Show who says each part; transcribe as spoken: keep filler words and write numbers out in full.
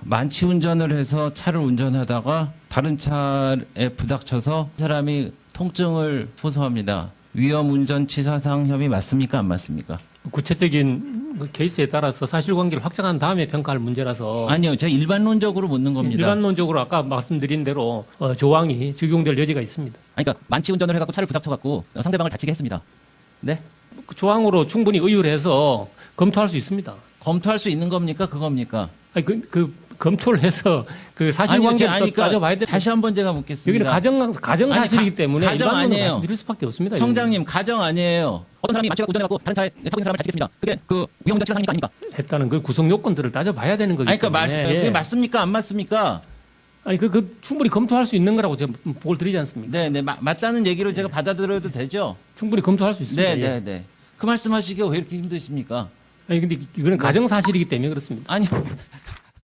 Speaker 1: 만취 운전을 해서 차를 운전하다가 다른 차에 부닥쳐서 사람이 통증을 호소합니다. 위험 운전 치사상 혐의 맞습니까? 안 맞습니까?
Speaker 2: 구체적인 그 케이스에 따라서 사실관계를 확정한 다음에 평가할 문제라서
Speaker 1: 아니요. 제가 일반론적으로 묻는 겁니다.
Speaker 2: 일반론적으로 아까 말씀드린 대로 어, 조항이 적용될 여지가 있습니다.
Speaker 3: 아니, 그러니까 만취 운전을 해갖고 차를 부닥쳐갖고 상대방을 다치게 했습니다. 네?
Speaker 2: 그 조항으로 충분히 의율 해서 검토할 수 있습니다.
Speaker 1: 검토할 수 있는 겁니까? 그겁니까?
Speaker 2: 아니, 그, 그 검토를 해서 그 사실관계를
Speaker 1: 아니, 그러니까
Speaker 2: 따져봐야 돼.
Speaker 1: 다시 한번 제가 묻겠습니다.
Speaker 2: 여기는 가정 가정
Speaker 1: 아니,
Speaker 2: 사실이기
Speaker 1: 가-
Speaker 2: 때문에
Speaker 1: 가정
Speaker 2: 일반론으로
Speaker 1: 아니에요.
Speaker 2: 말씀드릴 수밖에 없습니다.
Speaker 1: 청장님 가정 아니에요.
Speaker 3: 어떤 사람이 만취가 운전해갖고 다른 차에 타고 있는 사람을 다치겠습니다. 그게 그 위험 운전 치사상입니까? 아닙니까?
Speaker 2: 여기는. 했다는 그 구성 요건들을 따져봐야 되는 거기
Speaker 1: 아니 그러니까
Speaker 2: 때문에.
Speaker 1: 맞,
Speaker 2: 예.
Speaker 1: 그게 맞습니까? 안 맞습니까?
Speaker 2: 아니 그, 그 충분히 검토할 수 있는 거라고 제가 보고를 드리지 않습니까?
Speaker 1: 네, 네. 마- 맞다는 얘기로 제가 받아들여도 되죠?
Speaker 2: 충분히 검토할 수 있습니다.
Speaker 1: 네,
Speaker 2: 예.
Speaker 1: 네, 네. 그 말씀하시기가 왜 이렇게 힘드십니까?
Speaker 2: 아니 근데 이거는 가정 사실이기 때문에 그렇습니다.
Speaker 1: 아니